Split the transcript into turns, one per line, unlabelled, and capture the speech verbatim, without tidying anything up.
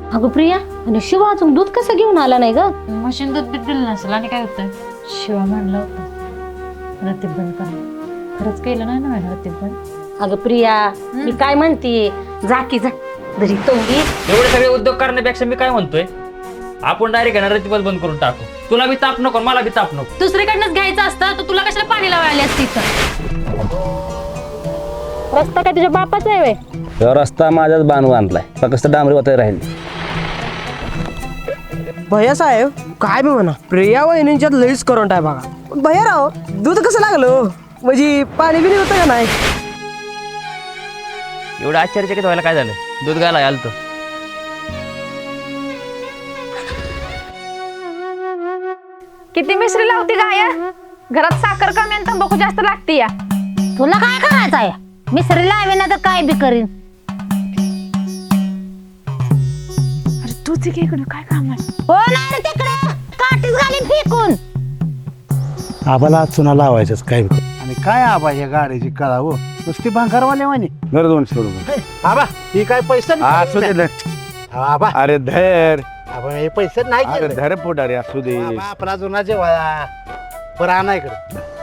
अगं प्रिया, आणि शिवा अजून दूध कसं घेऊन आला नाही ग?
मशीन दूध बी दिलं नसेल आणि काय होतं. शिवा म्हणलं होतं रतीब बंद करा. खरंच केलं नाही ना मॅडम रतीब बंद.
अगं प्रिया, मी काय म्हणते, जा की जा घरी तोंडी.
एवढे सगळे उद्योग करण्यापेक्षा मी काय म्हणतोय, आपण डायरेक्ट घेणार रतीबल बंद करून टाकू. तुला बी ताप नको, मला बी ताप नको.
दुसरीकडनंच घ्यायचं असतं तर तुला कशाला पाणी लावायला असती इथं? रस्ता काय तुझ्या बापाचा आहे व्हय?
रस्ता माझ्याच बांधून आणलाय, फक्त डांबरी वाटायला राहील.
भैया साहेब, काय बी म्हणा, प्रिया वहिनींच्यात लईच करंट आहे बघा. पण भैया राव, दूध कसं लागलं म्हणजे पाणी बिनी होतं का नाही?
एवढं आश्चर्यचकित व्हायला काय झालं? दूध गायला आलतो.
किती मिश्री लावती गाया? घरात साखर कमी आणि तंबाखू जास्त लागते या.
तुला काय करायचं आहे? मिसरी लावे ना तर काय बी करीन.
अरे तूच इकडे काय काम आहे?
हो ना तिकडे काठीच घालीन फेकून.
आबाला चुना लावायचंच काय बी. आणि काय आबा या गाडीची कळा हो, नुसती भांगारवाल्या म्हणे.
घर दोनशे रुपये.
आबा ही काय पैसे
असू दे धर.
आबा
अरे धर,
आबा हे पैसे नाही
अरे धर पोटारे, असू दे.
आपला जुना जेव्हा बरं आणा इकडे.